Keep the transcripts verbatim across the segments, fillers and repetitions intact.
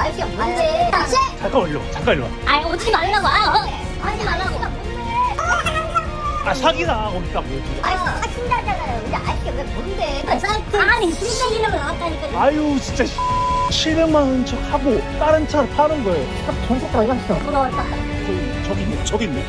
아저씨가 뭔데? 아저씨! 잠깐만 일로 와. 잠깐 일로 와. 아 오지 말라고. 아, 어. 하지 말라고. 아 사기다. 거기다 뭐. 아니 사신다잖아요. 근데 아저씨가 왜 뭔데? 아니 신경 이름을 나왔다니까. 아유 진짜 칠백만 원 척 하고 다른 차를 파는 거예요. 돈 썼다 어디 갔어? 돌아왔다. 저기, 저기 있네. 저기 있네.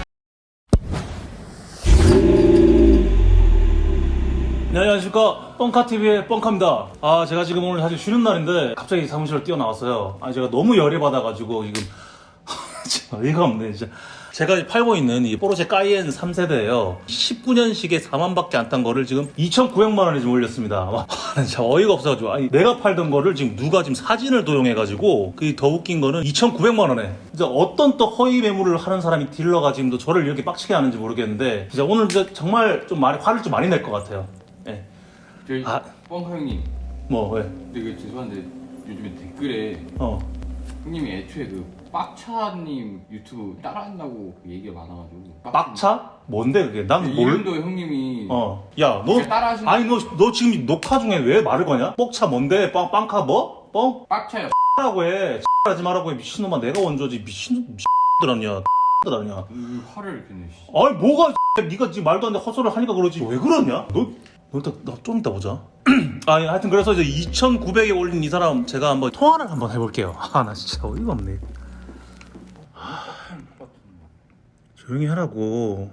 네, 안녕하십니까. 뻥카티비의 뻥카입니다. 아, 제가 지금 오늘 사실 쉬는 날인데 갑자기 사무실로 뛰어나왔어요. 아, 제가 너무 열이 받아가지고 지금 진짜 어이가 없네, 진짜. 제가 팔고 있는 이 포르쉐 까이엔 삼 세대예요. 십구 년식에 사만밖에 안 탄 거를 지금 이천구백만 원에 지금 올렸습니다. 와, 진짜 어이가 없어가지고. 아니, 내가 팔던 거를 지금 누가 지금 사진을 도용해가지고 그 더 웃긴 거는 이천구백만 원에 진짜 어떤 또 허위 매물을 하는 사람이 딜러가 지금 또 저를 이렇게 빡치게 하는지 모르겠는데 진짜 오늘 진짜 정말 좀 많이 화를 좀 많이 낼 것 같아요. 예. 저희 아. 뻥카 형님, 뭐 왜? 되게 죄송한데 요즘에 댓글에 어. 형님이 애초에 그 빡차님 유튜브 따라한다고 그 얘기가 많아가지고 빡차? 뭔데 그게? 난 그 뭘? 이름도 형님이 어. 야, 너 따라하시는 아니 너 너 지금 녹화 중에 왜 말을 거냐? 뻑차 뭔데? 빵 빵카 뭐? 뻥? 빡차요. 라고 해. 하지 말라고 해. 미친놈아 내가 원조지. 미친 미친들 아니야. 들 아니야. 그 화를 냈네. 아니 뭐가 네가 지금 말도 안 돼 헛소리를 하니까 그러지. 왜 그러냐? 너 너좀 이따 보자. 아니 하여튼 그래서 이제 이천구백에 올린 이 사람 제가 한번 통화를 한번 해볼게요. 아 나 진짜 어이가 없네. 하... 조용히 하라고.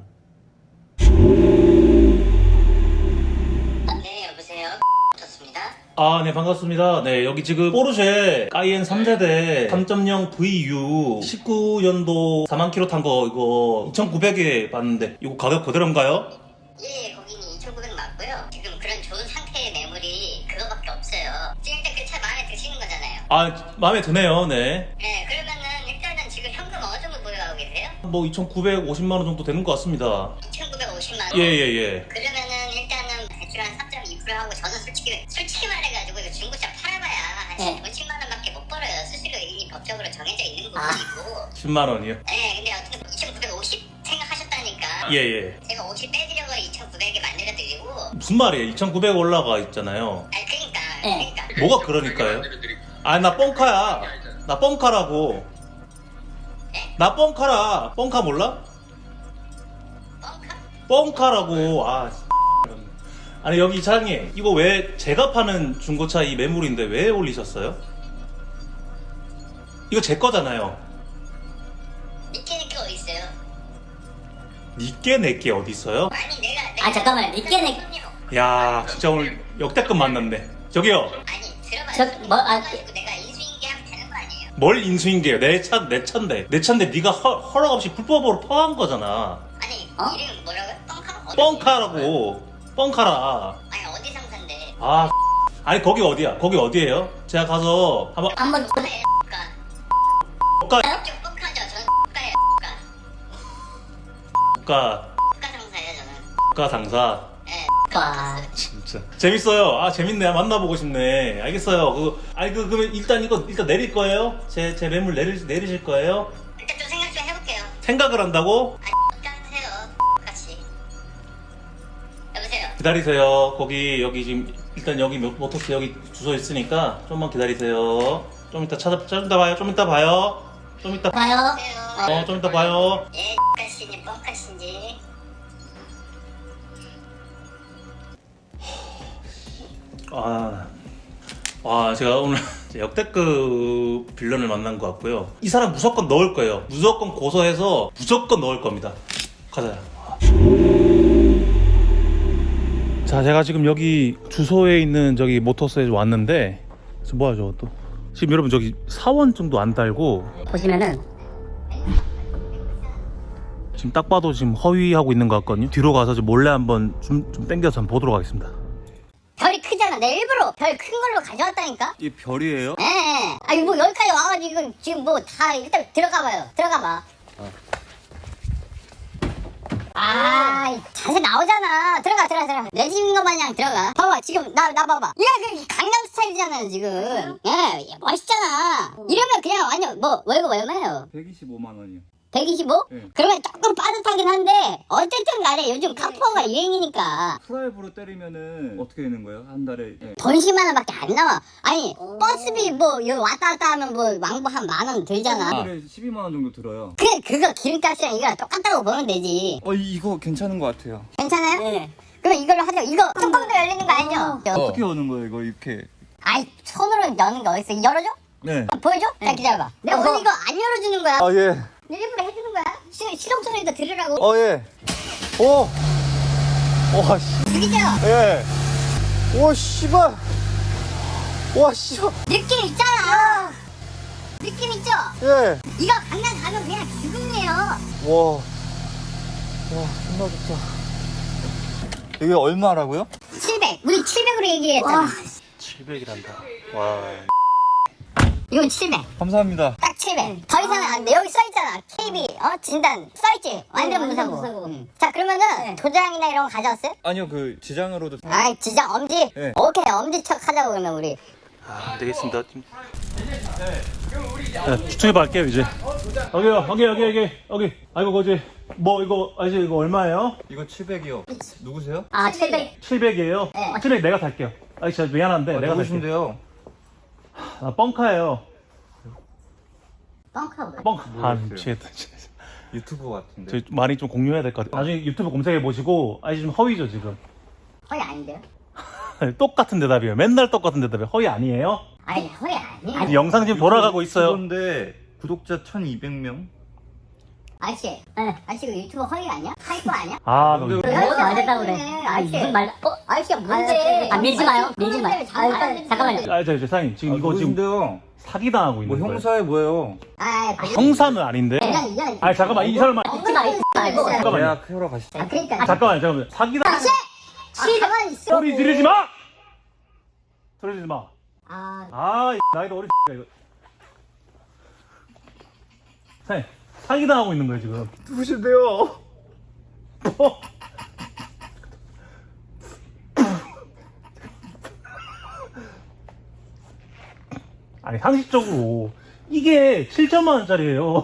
네 여보세요. 좋습니다. 아, 네, 반갑습니다. 네, 여기 지금 포르쉐 까이엔 삼 세대 삼 점 영 브이유 십구 년도 사만 킬로 탄 거 이거 이천구백에 봤는데 이거 가격 그대로인가요? 예, 거기는 이천구백 맞고요. 지금 그런 좋은 상태의 매물이 그거밖에 없어요. 지금 일단 그 차 마음에 드시는 거잖아요. 아, 마음에 드네요. 네. 네, 그러면은 일단은 지금 현금 어느 정도 보유하고 계세요? 뭐 이천구백오십만 원 정도 되는 것 같습니다. 이천구백오십만 원? 예, 예, 예. 그러면은 일단은 대출 한 삼 점 이 퍼센트 하고 저는 솔직히 솔직히 말해가지고 이거 중고차 팔아봐야 한 네. 오십만 원밖에 못 벌어요. 수수료 이미 법적으로 정해져 있는 부분이고. 십만 원이요? 네, 근데 어쨌든 이천구백오십 생각하셨다니까. 예, 예. 제가 오십 빼드려고 이천구백에 만들어드리고. 무슨 말이에요? 이천구백 올라가 있잖아요. 아니 그러니까, 네. 그러니까. 뭐가 그러니까요? 아, 나 뻥카야. 나 뻥카라고. 나 뻥카라. 뻥카 몰라? 뻥카? 뻥카라고. 아, 아니 여기 사장님 이거 왜 제가 파는 중고차 이 매물인데 왜 올리셨어요? 이거 제 거잖아요. 니께 니께 어디 있어요? 니께 내께 어디 있어요? 아니 내가 내가 아, 잠깐만, 니께 내- 야 진짜 오늘 역대급 만났네. 저기요 아니 들어봐요. 저, 뭐, 아, 가지고 내가 인수인계 하면 되는 거 아니에요? 뭘 인수인계요? 내 차 내 차인데 내 차인데 네가 허, 허락 없이 불법으로 퍼한 거잖아. 아니 어? 이름 뭐라고요? 뻥카? 어디 뻥카라고. 뻥카라. 아니 어디 상사인데? 아 아니 거기 어디야? 거기 어디예요? 제가 가서 한번 한번 뻥카예요. 뻥카. 뻥카 좀 뻥카죠. 저는 뻥카예요. 뻥카. 뻥카 뻥카 상사예요 저는. 뻥카 상사. 예. 와. 진짜 재밌어요. 아 재밌네. 만나보고 싶네. 알겠어요. 그 아니 그 그러면 일단 이거 일단 내릴 거예요? 제 제 매물 내릴 내리실 거예요? 일단 좀 생각 좀 해볼게요. 생각을 한다고? 아니 뻥카세요. 뻥카씨. 여보세요. 기다리세요. 거기 여기 지금 일단 여기 모- 모터스 여기 주소 있으니까 좀만 기다리세요. 좀 이따 찾아 좀 이따 봐요. 좀 이따 봐요. 좀 이따 봐요. 여보세요. 어 좀 이따 봐요. 예, 뻥카씨니 뻥카씨인지. 아, 와 제가 오늘 역대급 빌런을 만난 것 같고요. 이 사람 무조건 넣을 거예요. 무조건 고소해서 무조건 넣을 겁니다. 가자. 자, 제가 지금 여기 주소에 있는 저기 모터스에 왔는데 지금 뭐야 저거 또 지금 여러분 저기 사원 정도 안 달고 보시면은, 지금 딱 봐도 지금 허위하고 있는 것 같거든요. 뒤로 가서 지금 몰래 한번 좀, 좀 땡겨서 한번 보도록 하겠습니다. 별이 크잖아. 내 일부러 별 큰 걸로 가져왔다니까. 이 별이에요? 예. 예. 아니 뭐 여기까지 와가지고 지금 뭐 다 일단 들어가봐요. 들어가봐. 아, 자세 나오잖아. 들어가, 들어가, 들어가. 내 집인 것 마냥 들어가. 봐봐, 지금 나, 나 봐봐. 이거 그 강남 스타일이잖아요, 지금. 예, 멋있잖아. 이러면 그냥 완전 뭐 월급 얼마예요? 백이십오만 원이요. 백이십오? 네. 그러면 조금 빠듯하긴 한데 어쨌든 간에 요즘 카푸어가 유행이니까 프라이브로 때리면은 어떻게 되는 거예요? 한 달에? 네. 돈 십만 원밖에 안 나와. 아니 버스비 뭐 여기 왔다 갔다 하면 뭐 왕복 한 만 원 들잖아. 한 달에 십이만 원 정도 들어요. 그래 그거 기름값이랑 이거랑 똑같다고 보면 되지. 어 이- 이거 괜찮은 것 같아요. 괜찮아요? 네. 그럼 이걸로 하자. 이거 뚜껑도 열리는 거 알죠? 어떻게 여는 거예요? 이거 이렇게? 아이 손으로 여는 거 어딨어? 열어줘? 네. 아, 보여줘? 자 기다려봐. 내가 오늘 이거 안 열어주는 거야. 아 예. 일부러 해주는 거야. 시, 시동 소리도 들으라고. 어 예. 오. 와 씨. 죽이죠? 예. 오 씨발. 와 씨발. 느낌 있잖아. 느낌 있죠? 예. 이거 강남 가면 그냥 죽음이에요. 와. 와 존나 좋다. 이게 얼마라고요? 칠백. 우리 칠백으로 얘기했잖아. 칠백이란다. 와. 이건 칠백. 감사합니다. 딱 칠백. 더 이상은 안 돼. 여기 써있잖아. 케이비, 어? 진단. 써있지? 완전 무사고. 응. 자, 그러면은 도장이나 이런 거 가져왔어요? 아니요 그 지장으로도. 아이, 지장, 엄지? 네. 오케이, 엄지척 하자고, 그러면 우리. 아, 안 되겠습니다. 좀... 네, 추천해봐 할게요 이제. 여기요, 여기 여기 여기 여기. 아이고 거지. 뭐 이거 아저씨 이거 얼마예요? 이거 칠백이요. 누구세요? 아 칠백. 칠백이에요. 네. 칠백 내가 살게요. 아저씨 저 미안한데 아, 내가 살게요. 누구신데요? 아 뻥카예요. 뻥카 뭐야? 뻥카. 아 모르겠어요. 미치겠다. 진짜. 유튜브 같은데. 저희 많이 좀 공유해야 될 것 같아요. 나중에 유튜브 검색해 보시고 아저씨 좀 허위죠 지금. 허리 아닌데요? 똑같은 대답이에요. 맨날 똑같은 대답이에요. 허위 아니에요? 아니, 허리 아니에요. 아니, 영상 지금 돌아가고 있어요. 그런데 구독자 천이백 명? 아저씨, 아저씨 그 유튜브 허리 아니야? 타이거 아니야? 아, 근데 너 왜- 뭐안 됐다고 그래. 아 아저씨. 무슨 말? 어? 아저씨가 뭔데? 아, 밀지 마요. 밀지 마요. 아, 일단 잠깐만요. 아, 저, 저, 사장님, 지금 아, 이거 지금 누구신데요? 사기당하고 뭐 있는 거예요. 형사에 뭐예요? 아, 형사는 아닌데? 이런, 이런. 아니, 잠깐만, 이 사람만. 잊지 마, 잊지 말고. 잠깐만요. 계약하러 가시죠. 아, 그러니까. 잠깐만요, 잠깐만요. 사기당. 아저씨! 아, 가만히 있어. 소리 지르지 마! 소리 지르지 마. 아, 아, 이 나이도 어리 이거. 사장님, 사기당하고 있는 거예요, 지금. 누구신데요? 어? 아니, 상식적으로. 이게 칠천만 원짜리예요.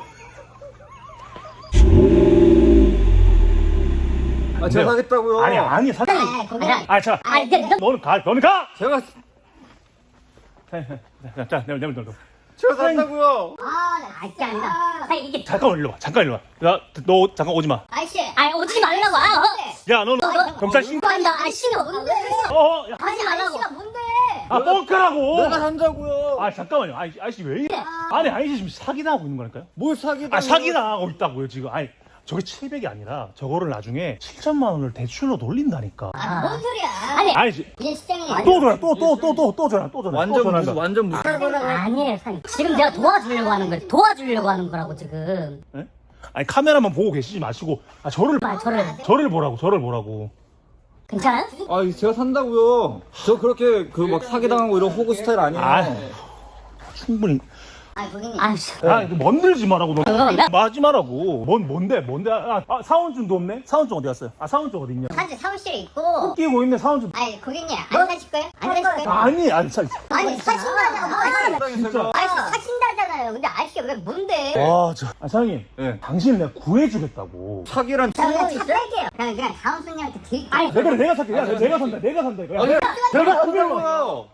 아 제가 사겠다고요. 아니, 아니, 사장님. 아, 거기랑. 아, 자, 아 이게 너 너는 가, 너는 가! 제가 자, 자, 자, 내가, 내가, 내가. 제가 산다고요. 아, 나 아 이게 아니다. 아니 이게 잠깐만 일로 와. 잠깐 일로 와. 야, 너 잠깐 오지 마. 아저씨. 아 오지 말라고. 아 어. 야, 너는 너- 경찰 신. 한다. 아 신경 뭔데? 어, 야. 아니, 아저씨가 뭔데? 아, 뻥카라고. 내가 산다고요. 아, 잠깐만요. 아이, 아저씨 왜 이래? 아니, 아저씨 지금 사기당하고 있는 거니까요? 뭘 사기다. 아, 사기당하고 있다고요, 지금. 아니, 저게 칠백이 아니라 저거를 나중에 칠천만 원을 대출로 돌린다니까. 아, 뭔 소리야? 아니 아니, 지- 이게 시장이. 또 전화, 또, 또, 또, 또, 또 전화, 또 전화. 또 완전 전화. 무슨 완전 무슨. 아니에요 사장님. 지금 내가 도와주려고 하는 거예요. 도와주려고 하는 거라고 지금. 예? 아니, 카메라만 보고 계시지 마시고, 아, 저를, 아 저를 저를 보라고, 저를 보라고. 괜찮아요? 아 제가 산다고요. 저 그렇게 그 막 사기당하고 이런 호구 스타일 아니에요. 아, 충분히. 아, 고객님. 아씨. 아, 이거 먼들지 마라고, 너. 그건가? 마지 마라고. 뭔, 뭔데, 뭔데. 아, 아, 사원증도 없네? 사원증 어디 갔어요? 아, 사원증 어디 있냐? 사실 사무실에 있고. 끼고 있네, 사원증. 아니, 고객님, 안 사실 거예요? 안 사실 거예요? 아니, 아니, 사, 아니, 사신다잖아. 아니, 진짜. 아저씨 사신다잖아요. 근데 아저씨가 왜 뭔데? 와, 저, 아, 사장님. 예. 당신을 내가 구해주겠다고. 사기란. 자, 그냥 착할게요. 그냥, 그냥 다음 손님한테 드릴게요. 아니 내가, 내가 살게. 야, 내가 산다, 내가 산다, 이거. 야, 내가, 내가 산다고. 산다고요.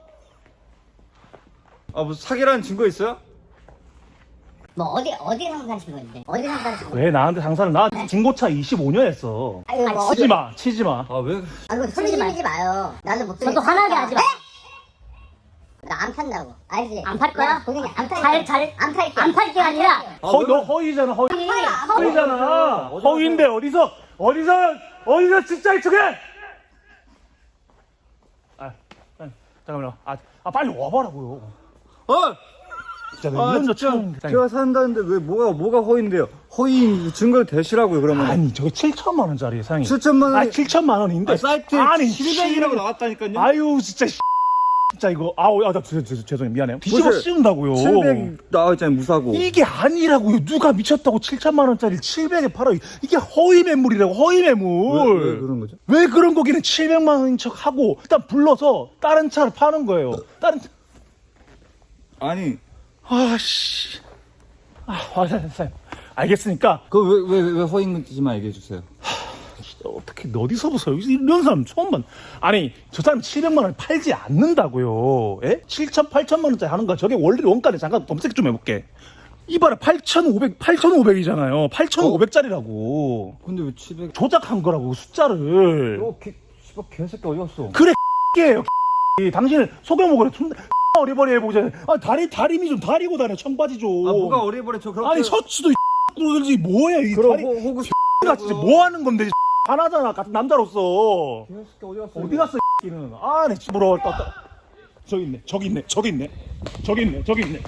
아 무슨 사기라는 증거 있어요? 뭐, 어디, 어디 상사하신 건데? 어디 상사하신 건데? 왜 나한테 장사를, 나 중고차 이십오 년 했어. 아유, 뭐, 어디, 치지 마, 치지 마. 아 왜? 아이고, 소리 지르지 마요. 나도 못 저도 화나게 하지 마. 나 안 판다고. 알지? 안 팔 거야? 나 고객님, 안 팔게. 잘, 잘. 안 팔게. 안 팔 게 아니라. 허, 너 허위잖아, 허위. 허위잖아. 허위인데, 어디서, 어디서, 어디서 진짜 이쪽에! 아, 아, 잠깐만요. 아, 아, 빨리 와봐라고요. 어? 진짜 왜 아 이런 거 진짜 처음. 제가 산다는데 왜 뭐가 뭐가 허위인데요? 허위 증거를 대시라고요 그러면. 아니, 저게 칠천만 원짜리 사장님. 칠천만 원. 아, 칠천만 원인데. 아, 사이트에 아니, 칠백이라고 칠- 나왔다니까요. 아유, 진짜, 씨. 진짜 이거, 아우, 아, 나, 죄- 죄- 죄송해요. 미안해요. 뒤집어 무슨 씌운다고요. 칠백 나와있잖아요 무사고. 이게 아니라고요. 누가 미쳤다고 칠천만 원짜리 칠백에 팔아. 이게 허위 매물이라고, 허위 매물. 왜, 왜 그런 거죠? 왜 그런 거기는 칠백만 원인 척 하고, 일단 불러서 다른 차를 파는 거예요. 다른 차. 아니 아, 씨. 아, 아, 사장님. 아, 알겠으니까 그 왜 왜 왜 허위문지만 얘기해 주세요. 어떻게 어디서 보세요? 이런 사람 처음 봐. 아니 저 사람 칠백만 원 팔지 않는다고요. 예? 칠천, 팔천만 원짜리 하는 거 저게 원래 원가를 잠깐 검색 좀 해볼게. 이봐라 팔천오백, 팔천오백이잖아요. 팔천오백짜리라고. 근데 왜 칠백? 조작한 거라고 숫자를. 어, 개, 씨발 개새끼 어디 갔어? 그래 X예요. 당신은 속여먹으래. 존나 어리버리 해보자. 아 다리 다리미 좀 다리고 다녀 청바지 좀. 아 뭐가 어리버리 저 그렇게. 아니 셔츠도 그러지 뭐야 이 그럼 다리. 호, 호구 가 진짜 뭐 하는 건데 하나잖아 같은 남자로서. 개새끼 어디 갔어? 어디 갔어 이는. 아내 집으로 왔다. 저기 있네 저기 있네 저기 있네 저기 있네 저기 있네.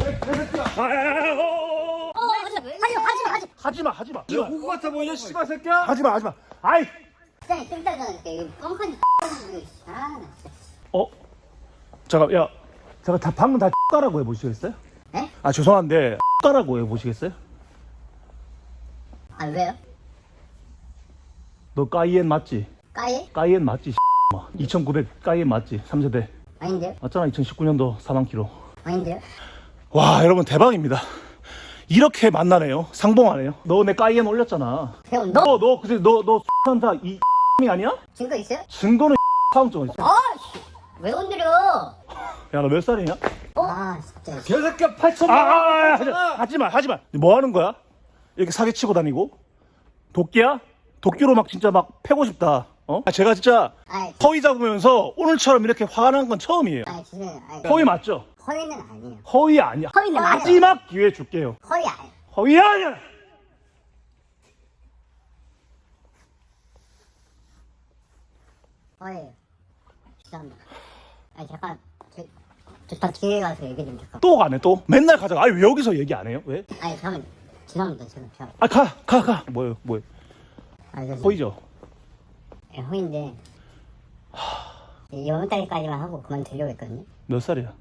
아야야야. 어 하지마 하지마 하지마 하지마 하지마. 야 호구 같아 보이냐 씨발 새끼야? 하지마 하지마. 아이. 짱이 땡따잖아. 이거 뻥카니 아, 나 진짜. 어? 잠깐 야 제가 다 방금 다 X가라고 해보시겠어요? 에? 아 죄송한데 X가라고 해보시겠어요? 아, 왜요? 너 까이엔 맞지? 까예? 까이엔 맞지? 이천구백 까이엔 맞지? 삼 세대 아닌데요? 맞잖아. 이천십구 년도 사만 킬로. 아닌데요? 와 여러분 대박입니다. 이렇게 만나네요. 상봉하네요. 너 내 까이엔 올렸잖아. 형, 너 너너 그새 너너 한다 이 이 아니야? 증거 있어요? 증거는 사원증 있어. 아, 씨. 왜 건드려? 야 너 몇 살이냐? 아, 진짜. 개새끼야 팔천. 아, 아, 아, 하지, 하지마 하지마. 뭐 하는 거야? 이렇게 사기 치고 다니고? 도끼야? 도끼로 막 진짜 막 패고 싶다. 어? 아, 제가 진짜 아이, 허위 잡으면서 오늘처럼 이렇게 화가 난 건 처음이에요. 아이, 죄송해요. 아이, 허위 맞죠? 허위는 아니에요. 허위 아니야. 허위는 맞아. 마지막 기회 줄게요. 허위 아니에요. 허위 아니야. 허위예요. 죄송합니다. 아니, 잠깐. 저, 저다 뒤에 가서 얘기 좀 잠깐. 또 가네 또. 맨날 가자가. 아니 왜 여기서 얘기 안 해요? 왜? 아니, 잠깐. 죄송합니다. 제가. 제가. 아 가 가 가. 뭐예요 뭐예요? 아, 그래서 허위죠. 예, 허위인데. 이번 달까지만 하고 그만두려고 했거든요. 몇 살이야?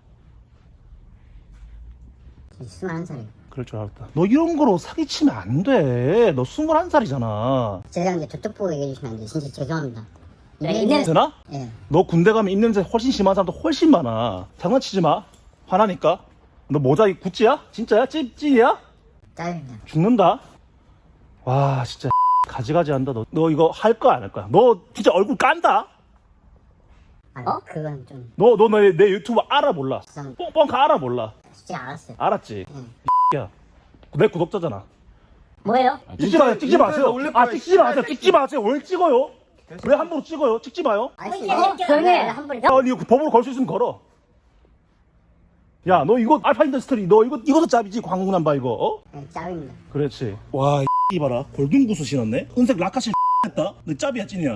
스물한 살이에요. 그럴 줄 알았다. 너 이런 거로 사기치면 안 돼. 너 스물한 살이잖아. 죄송한데 저쪽 보고 얘기해 주시면 안 돼요. 진짜 죄송합니다. 그래, 이게- 있는- 되나? 예. 너 군대 가면 입냄새 훨씬 심한 사람도 훨씬 많아. 장난치지 마. 화나니까. 너 모자 이 구찌야? 진짜야? 찝찌야? 짜증나. 죽는다. 와 진짜 가지가지 한다. 너, 너 이거 할 거야 안 할 거야? 너 진짜 얼굴 깐다. 아, 어? 그건 좀 너 너 내 내 유튜브 알아 몰라? 죄송합니다. 뻥뻥카 알아 몰라? 진짜 알았어요. 알았지? 예. 야, 내 구독자잖아. 뭐예요? 찍지 마세요. 찍지 마세요. 인터넷에 올릴 아 거야, 찍지 마세요. 찍지 마세요. 왜 찍어요? 왜 함부로 찍어요? 찍지 마요. 아저씨, 어, 조용히 해. 한 번에. 야, 니 법으로 걸 수 있으면 걸어. 야, 너 이거 알파 인더스트리 너 이거 이것도 짭이지 광고남바 이거. 어? 네, 짭입니다. 그렇지. 와, 이 봐라. 골든 구스 신었네. 은색 라카실 했다. 너 짭이야 찐이야.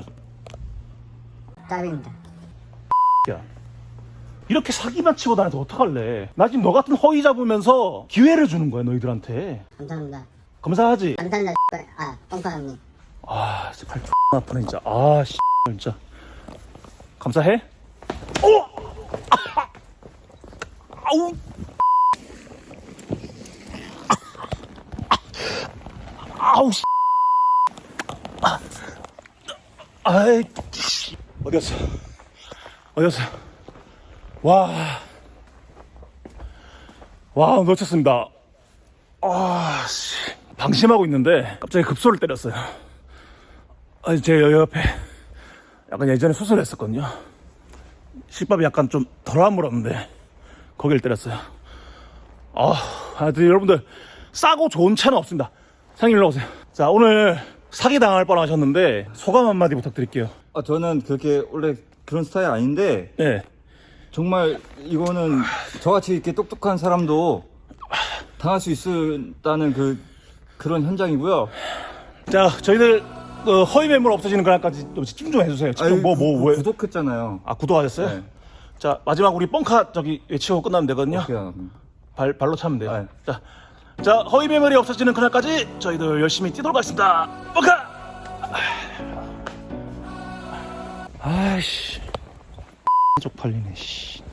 짭입니다. 야. 이렇게 사기만 치고 다녀서 어떡할래? 나 지금 너 같은 허위 잡으면서 기회를 주는 거야 너희들한테. 감사합니다. 감사하지? 감사합니다. 아, 뻥카 형님. 아, 진짜 팔 아프네 진짜. 아, 씨, 진짜. 감사해? 오! 아! 아우! 아우, 씨. 아, 아이, 씨. 어디 갔어? 어디 갔어? 와. 와, 놓쳤습니다. 아, 씨. 방심하고 있는데 갑자기 급소를 때렸어요. 아니, 제 옆에 약간 예전에 수술했었거든요. 실밥이 약간 좀 덜 물었는데 거길 때렸어요. 아, 하여튼 여러분들 싸고 좋은 차는 없습니다. 상님 일로 오세요. 자, 오늘 사기 당할 뻔하셨는데 소감 한마디 부탁드릴게요. 아 저는 그렇게 원래 그런 스타일 아닌데 네. 정말 이거는 저같이 이렇게 똑똑한 사람도 당할 수 있다는 그 그런 현장이고요. 자, 저희들 어, 허위 매물 없어지는 그날까지 좀 집중 좀 해주세요. 집중 뭐, 뭐, 구- 왜? 구독했잖아요. 아, 구독하셨어요? 네. 자, 마지막 우리 뻥카 저기 외치고 끝나면 되거든요. 그냥 발, 발로 차면 돼요. 네. 자, 자, 허위 매물이 없어지는 그날까지 저희들 열심히 뛰도록 하겠습니다. 뻥카! 아이씨. 쪽팔리네, 씨.